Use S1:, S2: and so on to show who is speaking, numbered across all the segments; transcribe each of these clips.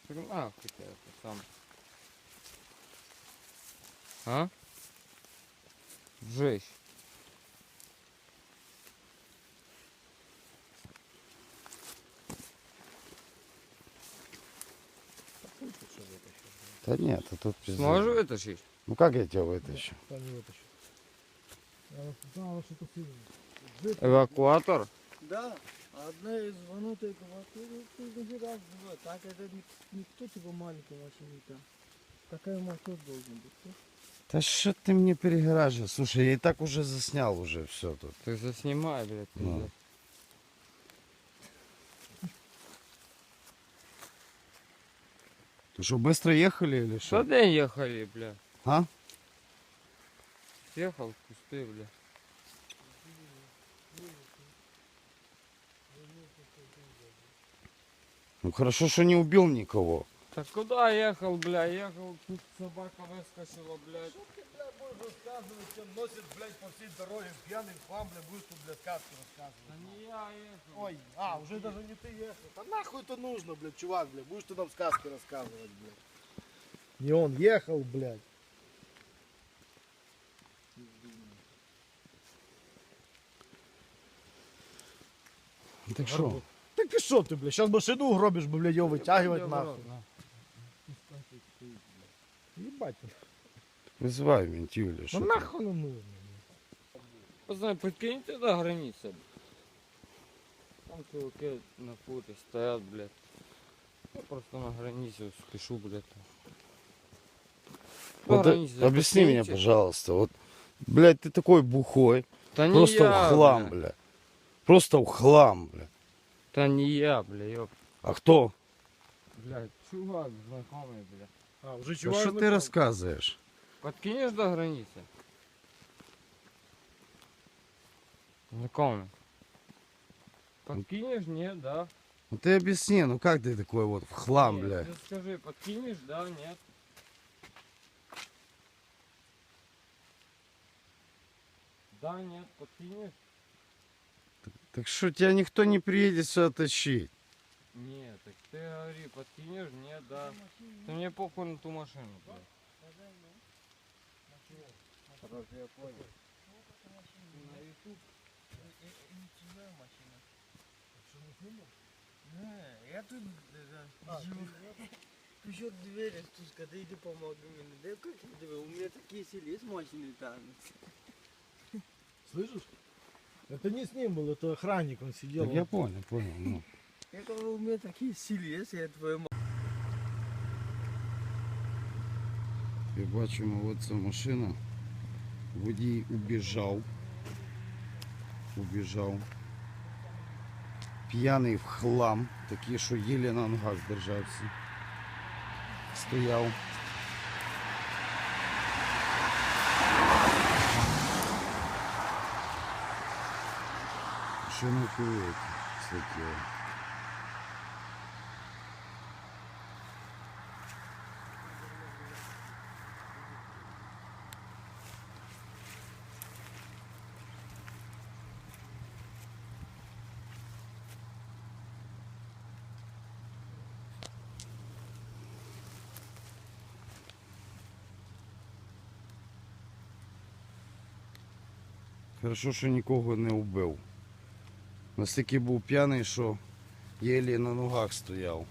S1: нахуй ты это сам. А? Жесть.
S2: Да нет, а тут пиздец.
S1: Сможешь вытащить?
S2: Ну как я тебя вытащу?
S3: Та не витащу. Я знала, що то сильно.
S1: Эвакуатор?
S4: Да, одна из звонутых квартиры, ты раз бывает. Так это никто типа маленький машинита. Такая мотор должен быть.
S2: Да что ты мне перегораживаешь? Слушай, я и так уже заснял уже все тут.
S1: Ты заснимай, блядь,
S2: Ну.
S1: пиздец.
S2: Ты что, быстро ехали или
S1: Что
S2: что?
S1: ты ехали, бля?
S2: А?
S1: Съехал в кусты, бля.
S2: Ну хорошо, что не убил никого.
S1: Так куда ехал, бля? Ехал, тут собака выскочила, блядь.
S3: Ты, блядь, будешь рассказывать, чем носит, блядь, по всей дороге пьяный хлам, блядь, будешь тут, блядь, сказки
S1: Да
S3: рассказывать.
S1: не я ехал.
S3: Ой, уже даже не ты ехал. Да нахуй это нужно, блядь, чувак, блядь, будешь ты нам сказки рассказывать, блядь. Не он ехал, блядь.
S2: Так что?
S3: Так и что ты, блядь, сейчас машину угробишь, блядь, ее вытягивать нахуй. Ебать.
S2: Вызывай ментю или
S3: Ну
S2: что?
S3: нахуй оно нужно.
S1: Пацаны, подкиньте до границы. Там чуваки на фуре стоят, блядь. Я просто на границе спешу, блядь. До
S2: Вот
S1: границы
S2: объясни мне,
S1: подкиньте.
S2: пожалуйста. Вот, блядь, ты такой бухой.
S1: Да не
S2: Просто
S1: я,
S2: в хлам,
S1: бля.
S2: бля. Просто в хлам, бля.
S1: Да не я, бля, ёп.
S2: А кто?
S1: Блядь, чувак знакомый, бля.
S3: Уже
S2: Да
S3: чувак.
S2: что ты рассказываешь?
S1: Подкинешь до границы? Знакомый. Подкинешь? Нет, да.
S2: Ну ты объясни, ну как ты такой вот в хлам,
S1: Нет,
S2: бля?
S1: ты скажи, подкинешь, да, нет? Да, нет, подкинешь?
S2: Так что тебя никто не приедет сюда тащить.
S1: Нет, так ты говори, подкинешь, нет, да. Ты мне похуй на ту машину, блядь. Короче, я понял. На YouTube.
S4: Я тут живу. Пишет двери, стуска, да иди помоги мне. Да как тебе? У меня такие сели с машины там.
S3: Слышишь? Это не с ним был, это охранник, он сидел.
S2: Так я понял, понял. Ну.
S4: Я говорю, у меня такие сили, если я твою
S2: І бачимо, от ця машина. Водій убіжав. П'яний в хлам, такий, що єлі на ногах держався. Стояв. Що не кують таке? Хорошо, що нікого не вбив. Настільки був п'яний, що єлі на ногах стояв.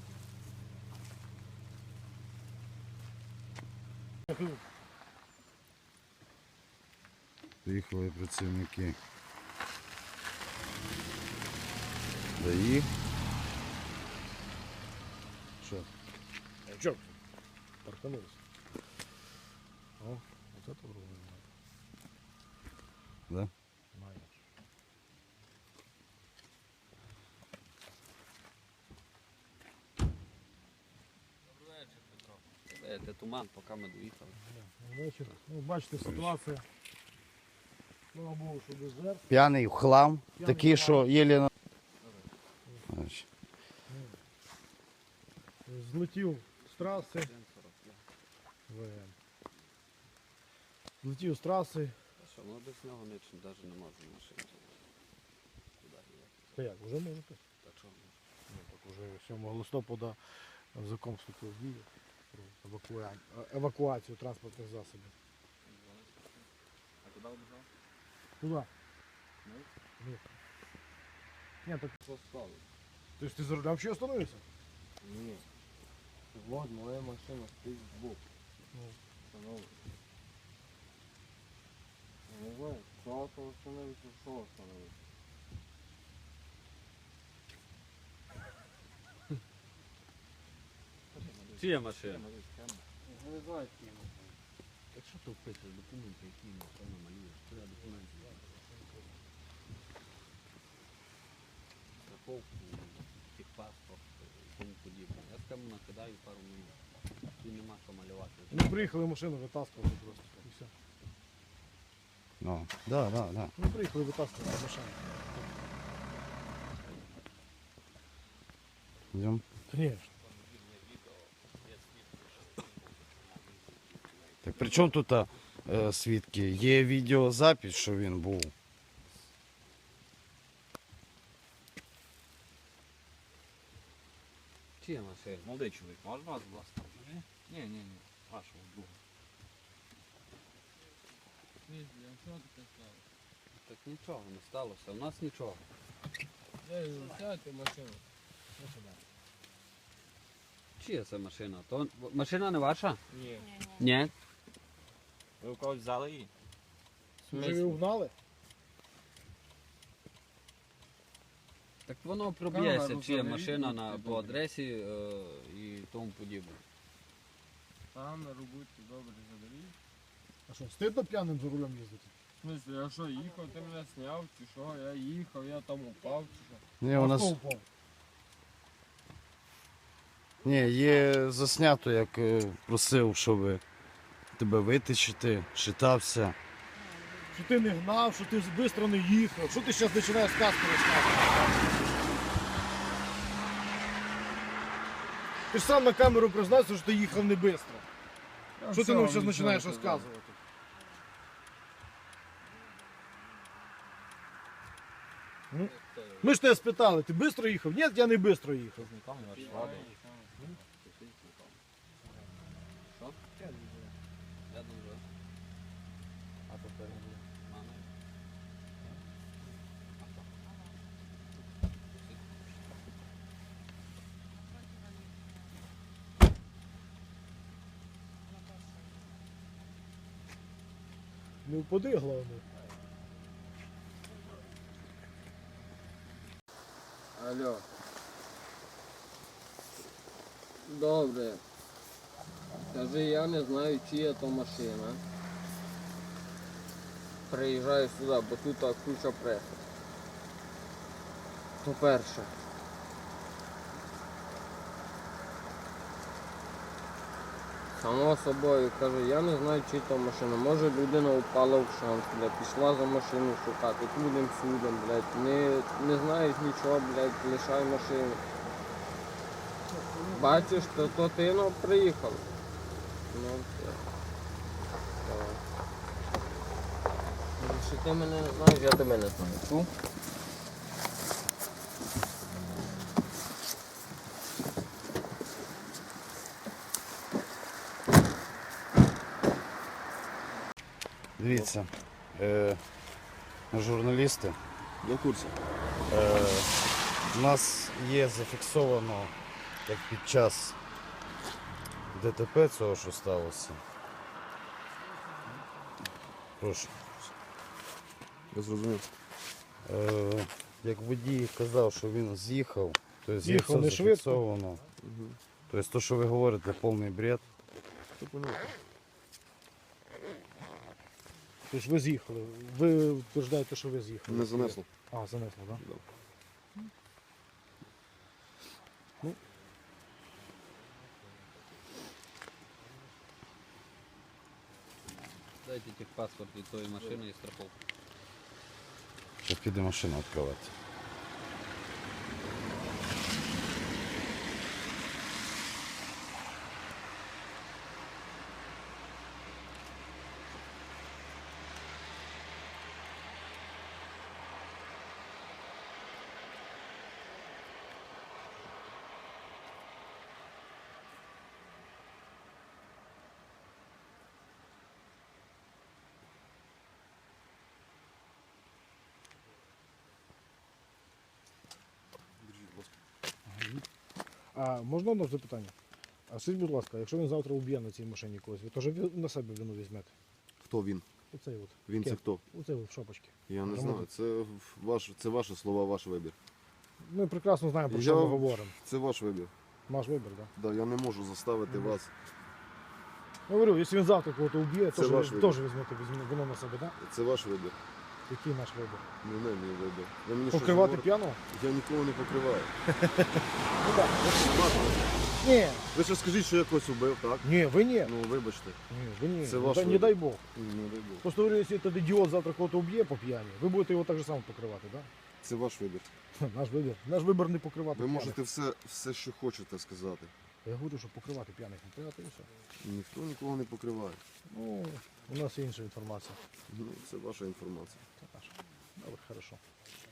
S2: Приїхали працівники ДАІ. Що?
S3: А чё? Парканулся. О, вот это вроде.
S2: Да?
S5: Це туман, поки ми доїхали.
S3: Вечір. Ну, бачите, ситуація. Слава Богу, що без жертв.
S2: П'яний в хлам,
S3: П'яний
S2: такий,
S3: в
S2: що
S3: хлам.
S2: єлі на... Значить,
S3: Злетів з траси. ВМ. Злетів з траси.
S5: Що, ну без нього нічим навіть не можу машину. Куди їхати?
S3: Та як, вже можете?
S5: Та чого?
S3: Ну, так уже 7 листопада Закон вступив в дію про евакуацію транспортних засобів.
S5: А куди убежав?
S3: Куда?
S5: Ну?
S3: Ні. Ні, так
S1: Поставив.
S3: то есть ти за рулем ще остановився?
S1: Ні. Вот моя машина стоїть збоку.
S3: Ну.
S1: Шановний. Я не знаю, що остановився, що остановився.
S5: Чия машина?
S1: Я не знаю, які машини.
S5: Так що ти вписуєш документи, які машина малюєш? Що я документи? Страховку, техпаспорт і тому подібне. Я скажу, накидаю пару минут. І нема що малювати.
S3: Ми приїхали машину витаскувати просто. І все.
S2: Ну, да.
S3: Ми приїхали витаскувати машину.
S2: Йдем.
S3: Звісно.
S2: Так при чому тут свідки? Є відеозапис, що він був.
S5: Чия машина? Молодий чоловік, можна вас, будь ласка? Ні. Вашого друга.
S1: Що таке стало?
S5: Так нічого не сталося, у нас нічого.
S1: Сядьте машину.
S5: Чия це машина? То машина не ваша?
S1: Ні.
S5: Ні.
S1: Ви у когось взяли її?
S3: Вже ви угнали?
S5: Так воно проб'ється,
S1: Камеру
S5: чия
S1: заберіть,
S5: машина
S1: будьте
S5: по
S1: добрі.
S5: адресі і тому подібне.
S1: Камеру будьте добре заберіть.
S3: А що, стидно п'яним за рулем їздити?
S1: В смысле, я що, їхав, ти мене сняв, чи що? Я їхав, я там упав, чи що?
S2: Ні, у нас
S3: хто впав?
S2: ні, є заснято, як просив, щоб тебе витичити, шитався.
S3: Що ти не гнав, що ти швидко не їхав, що ти зараз починаєш сказку розказувати? Ти ж сам на камеру признався, що ти їхав не швидко. Що ти нам зараз починаєш розказувати? Ну, ми ж тебе спитали, ти швидко їхав? Ні, я не швидко їхав.
S5: Що? Я дуже. А тепер мама.
S3: Не впади, головне.
S1: Алло. Добре. Скажи, я не знаю, чия то машина. Приїжджаю сюди, бо тут куча преси. По-перше. Само собою, кажу, я не знаю, чи то машина. Може людина упала в шанс, блядь, пішла за машину шукати, будем судом, блядь. Не знаєш нічого, блядь, лишай машину. Бачиш, то ти приїхав. Ну, все. Давай. Якщо ти мене не знаєш, я тебе не знаю. Чув?
S2: Дивіться, журналісти,
S5: Я в курсі.
S2: у нас є зафіксовано, як під час ДТП цього, що сталося. Прошу.
S5: Я зрозумів.
S2: Як водій казав, що він з'їхав, то є
S3: З'їхав
S2: все
S3: не швидко.
S2: зафіксовано. Тобто те, що ви говорите, повний бред.
S5: Це понятно.
S3: Тобто ви з'їхали. Ви утверждаєте, що ви з'їхали.
S5: Не занесло.
S3: А, занесло, так?
S5: Да. Дайте техпаспорт від тої машини і страховку.
S2: Зараз піде машину відкривати.
S3: А можна одне запитання? А скажіть, будь ласка, якщо він завтра уб'є на цій машині когось, ви теж на себе вину візьмете?
S6: Хто він?
S3: Оцей от.
S6: Він це
S3: Кеп.
S6: хто?
S3: Оцей от в шапочці.
S6: Я не
S3: Громадян.
S6: знаю. Це ваші слова, ваш вибір.
S3: Ми прекрасно знаємо, про
S6: Я-
S3: що ми говоримо.
S6: Це ваш вибір.
S3: Наш вибір, так?
S6: Да, я не можу заставити вас.
S3: Я говорю, якщо він завтра когось уб'є,
S6: Це
S3: теж
S6: ваш вибір.
S3: візьмете вину на себе, так?
S6: Це ваш вибір.
S3: Який наш вибір?
S6: Не мій вибір. Ви мені щось
S3: Покривати
S6: говорите?
S3: п'яного?
S6: Я нікого не покриваю.
S3: Ну так. Ні,
S6: Ви ще скажіть, що я когось убив, так?
S3: ні, ви ні.
S6: Ну вибачте.
S3: Ні, ви ні.
S6: Це ваш
S3: Не
S6: вибір.
S3: дай Бог.
S6: Не дай Бог.
S3: Просто говорю, якщо этот ідіот завтра когось уб'є по п'яні, ви будете його так же само покривати, так?
S6: Це ваш вибір.
S3: Наш вибір. Наш вибір не покривати
S6: Ви
S3: п'яних.
S6: можете все, що хочете сказати.
S3: Я говорю, що покривати п'яних не треба, і все.
S6: Ніхто нікого не покриває.
S3: Ну, у нас є інша інформація.
S6: Ну, це ваша інформація.
S3: Це наша. Добре, хорошо.